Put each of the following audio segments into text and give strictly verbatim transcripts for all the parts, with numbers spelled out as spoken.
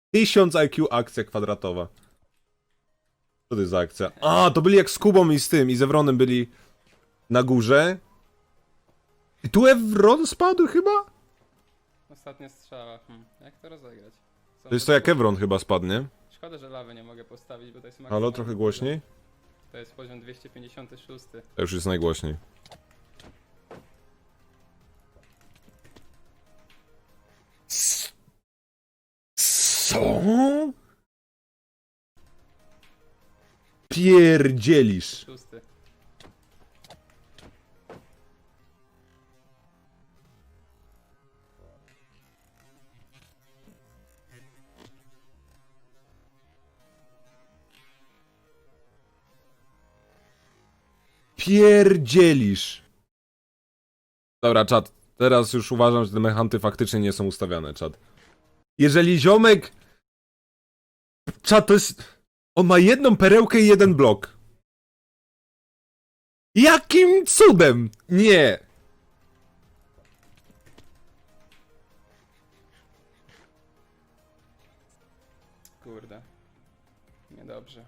tysiąc I Q akcja kwadratowa. Co to jest za akcja? A, to byli jak z Kubą i z tym, i z Evronem byli na górze. I tu Evron spadł chyba? Ostatnia strzała. Hmm. Jak to rozegrać? Co To jest to jak Evron chyba spadnie. Szkoda, że lawy nie mogę postawić, bo to jest Halo, maksymalny trochę poziom. głośniej? To jest poziom dwieście pięćdziesiąty szósty. To już jest najgłośniej. Co? Pierdzielisz. Szósty. Pierdzielisz. Dobra, czat. Teraz już uważam, że te mechanty faktycznie nie są ustawiane, czat. Jeżeli ziomek... Czat, to jest... On ma jedną perełkę i jeden blok. Jakim cudem? Nie. Kurde. Niedobrze.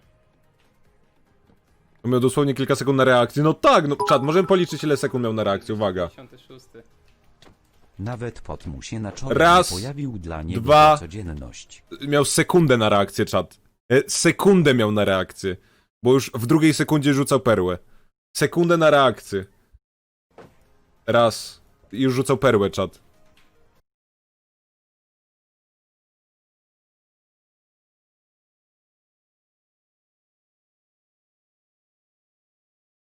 On miał dosłownie kilka sekund na reakcję. No tak, no czat, możemy policzyć ile sekund miał na reakcję, uwaga. pięćdziesiąty szósty. Nawet pot mu się na czole Raz, nie pojawił dla niego dwa. to codzienność. Miał sekundę na reakcję, czat. E, Sekundę miał na reakcję. Bo już w drugiej sekundzie rzucał perłę. Sekundę na reakcję. Raz. I już rzucał perłę, czat.